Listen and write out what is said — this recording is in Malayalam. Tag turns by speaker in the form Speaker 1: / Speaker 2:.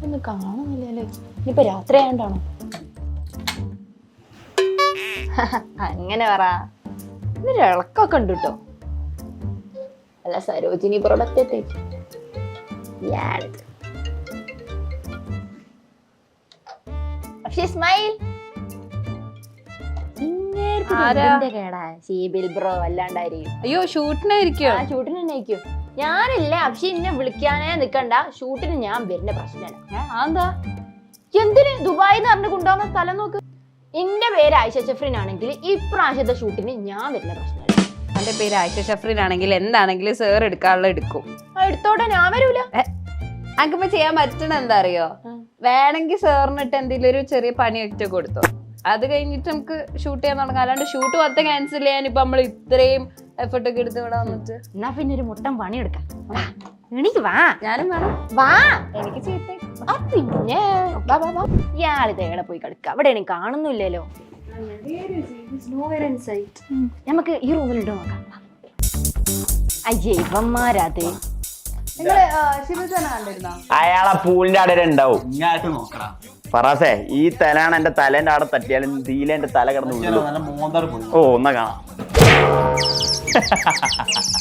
Speaker 1: ഒന്ന് കാണുന്നില്ലല്ലേ? ഇനിയിപ്പൊ രാത്രി ആയതുകൊണ്ടാണോ? അങ്ങനെ പറ. ഇന്നൊരു ഇളക്കൊക്കെ ഉണ്ട് കേട്ടോ. അല്ല സരോജിനി പ്രൊഡക്റ്റ് എത്തിയിട്ട് സ്മൈൽ കേടാ ഷീബിൽ ബ്രോ അല്ലാണ്ടായിരിക്കും.
Speaker 2: അയ്യോ ഷൂട്ടിനായിരിക്കോ?
Speaker 1: ആ ഷൂട്ടിന് തന്നെ ആയിരിക്കും. ഞാനില്ല അക്ഷി എന്നെ വിളിക്കാനേ നിക്കണ്ട. ഷൂട്ടിന് ഞാൻ വരുന്ന പ്രശ്നമാണ്.
Speaker 2: എന്താ
Speaker 1: എന്തിന് ദുബായിന്ന് പറഞ്ഞ് കൊണ്ടുപോകുന്ന സ്ഥലം നോക്ക്. എന്റെ പേര് ആയിഷ ഷഫ്രീൻ ആണെങ്കിൽ ഇപ്രാവശ്യത്തെ ഷൂട്ടിന് ഞാൻ വരുന്ന പ്രശ്നമാണ്.
Speaker 2: എന്റെ പേര് ആയിഷ ഷഫ്രീൻ ആണെങ്കിൽ എന്താണെങ്കിലും സേർ എടുക്കാനുള്ള എടുക്കും.
Speaker 1: എടുത്തോടെ ഞാൻ വരൂല.
Speaker 2: അനക്കിപ്പോ ചെയ്യാൻ പറ്റണ എന്താ അറിയോ? വേണമെങ്കിൽ സാറിനിട്ട് എന്തെങ്കിലും ഒരു ചെറിയ പണി ഒറ്റ കൊടുത്തോ. അത് കഴിഞ്ഞിട്ട് നമുക്ക് ഷൂട്ട് ചെയ്യാൻ തുടങ്ങാം. അല്ലാണ്ട് ഷൂട്ട് മൊത്തം ക്യാൻസൽ ചെയ്യാൻ ഇപ്പൊ നമ്മൾ ഇത്രയും എഫർട്ട് ഒക്കെ എടുത്ത് ഇവിടെ വന്നിട്ട്
Speaker 1: എന്നാ പിന്നെ ഒരു മുട്ടൻ പണി എടുക്കാം. എനിക്ക് വാ.
Speaker 2: ഞാനും വേണം.
Speaker 1: വാ.
Speaker 2: എനിക്ക് ചീത്ത
Speaker 1: പിന്നെ ഇയാളിത് എവിടെ പോയി കളിക്കാം? അവിടെ എനിക്ക് കാണുന്നില്ലല്ലോ. നമുക്ക് ഈ റൂമിലുണ്ടോ നോക്കാം. അയ്യേ ഇവന്മാരത്
Speaker 3: അയാളെ പൂളിന്റെ അവിടെ ഉണ്ടാവും. ഫറാസേ ഈ തലാണ് എന്റെ തലേന്റെ അവിടെ തട്ടിയാലും തീലെ എന്റെ തല കിടന്നു. ഓ ഒന്നാ കാണാം.